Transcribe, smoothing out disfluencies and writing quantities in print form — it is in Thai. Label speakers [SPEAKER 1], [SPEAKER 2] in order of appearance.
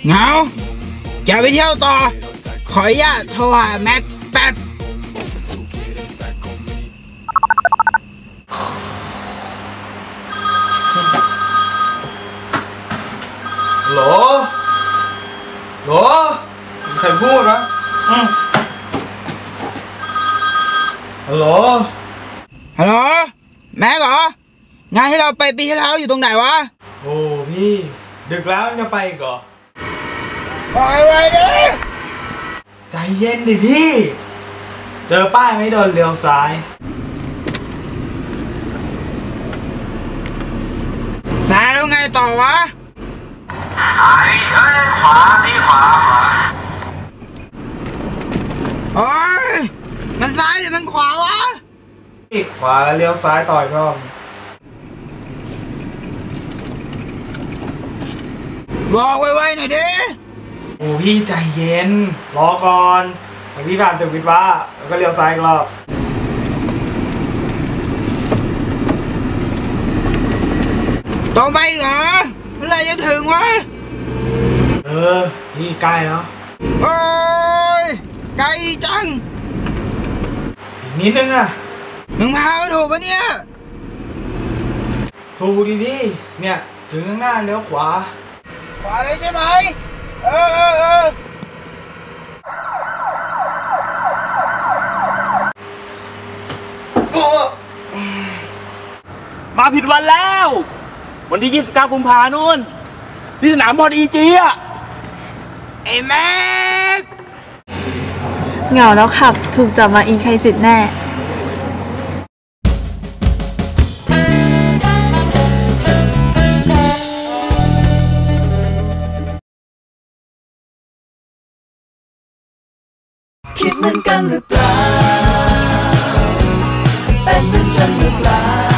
[SPEAKER 1] เหงาอย่าไปเที่ยวต่อขออนุญาตโทรหาแม็กแป๊บ
[SPEAKER 2] โหลใครพูดนะฮัลโหล
[SPEAKER 1] แม็กเหรองานที่เราไปปีที่แล้วอยู่ตรงไหนวะ
[SPEAKER 2] โอ้พี่ดึกแล้วจะไปอีกเหรอ
[SPEAKER 1] ปล่อยไว้ดิ
[SPEAKER 2] ใจเย็นดิพี่เจอป้ายไม่โดนเลี้ยวซ้าย
[SPEAKER 1] แล้วไงต่อวะ
[SPEAKER 3] ซ้ายขวานี่ขวา
[SPEAKER 1] โอ้ยมันซ้ายหรือมันขวาวะ
[SPEAKER 2] ขวาแล้วเลี้ยวซ้ายต่อยก็
[SPEAKER 1] บอกไวๆหน่อยดิ
[SPEAKER 2] โอ้พี่ใจเย็นรอก่อนพี่ผ่านตึกวิทย์วะแล้วก็เลี้ยวซ้ายอีกรอบ
[SPEAKER 1] ตรงไปเหรอเมื่อไรจะถึงวะ
[SPEAKER 2] พี่ใกล้แล้ว
[SPEAKER 1] โอ้ยไกลจัง
[SPEAKER 2] อีกนิดนึงนะ
[SPEAKER 1] มึงพาไปถูกปะเนี่ย
[SPEAKER 2] ถูกดิพี่เนี่ยถึงข้างหน้าเลี้ยวขวา
[SPEAKER 1] เลยใช่ไหม
[SPEAKER 4] มาผิดวันแล้ววันที่29 กุมภาพันธ์นู่นที่สนามบอลEGอ่ะ
[SPEAKER 1] ไอ้แม็ก
[SPEAKER 5] เหงาแล้วขับถูกจับมาอินใครสิทธิ์แน่
[SPEAKER 6] คิดเหมือนกันหรือเปล่าเป็นเหมือนฉันหรือเปล่า